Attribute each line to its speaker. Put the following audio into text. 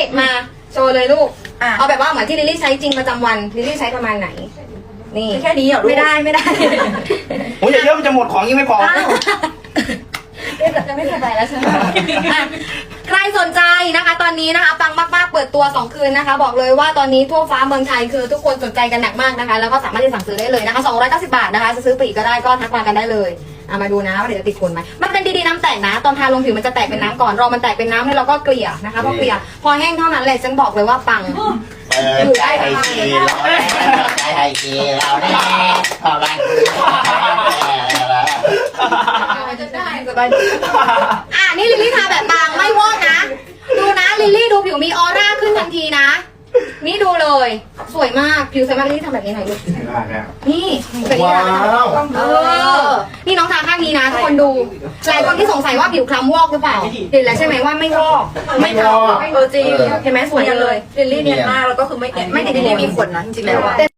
Speaker 1: มาโชว์เลยลูกเอาแบบว่าเหมือนที่ลิลลี่ใช้จริงประจำวันลิลลี่ใช้ประมาณไหนนี่
Speaker 2: แค่นี้เหรอลูก
Speaker 1: ไม่ได้
Speaker 3: โอ้ยอย่าเยอะมันจะหมดของยังไม่พอ
Speaker 1: จะไม่สบายแล้วใช่ไหมใครสนใจนะคะตอนนี้นะคะปังมากๆเปิดตัว2คืนนะคะบอกเลยว่าตอนนี้ทั่วฟ้าเมืองไทยคือทุกคนสนใจกันหนักมากนะคะแล้วก็สามารถที่สั่งซื้อได้เลยนะคะ290 บาทนะคะจะซื้อปลีกก็ได้ก็ทักมากันได้เลยมาดูนะว่าเดี๋ยวจะติดทนไหมมันเป็นดีๆน้ำแตกนะตอนทาลงผิวมันจะแตกเป็นน้ำก่อนรอมันแตกเป็นน้ำให้เราก็เกลี่ยนะคะพอเกลี่ยพอแห้งเท่านั้นแหละฉันบอกเลยว่าปัง
Speaker 4: อยู่ได้ไทยทีเราไทยทีเราได้พอรัน
Speaker 1: จะได้สบายนี่ลิลลี่ทาแบบบางไม่วอกนะดูนะลิลลี่ดูผิวมีออร่าขึ้นทันทีนะนี่ดูเลยสวยมากผิวสวยมากลิลลี่ทำแบบนี้หน่อยลูกนี่แบบนี้นี่น้องทาข้างนี้นะทุกคนดูหลายคนที่สงสัยว่าผิวคล้ำวอกหรือเปล่าเห็นแล้วใช่ไหมว่าไม่วอกไม่คล้ำจริงเห็นไหมสวยเลยลิลลี่เนียนมากแล้วก็คือไม่ติดลิลลี่มีขนนะจริงๆแล้ว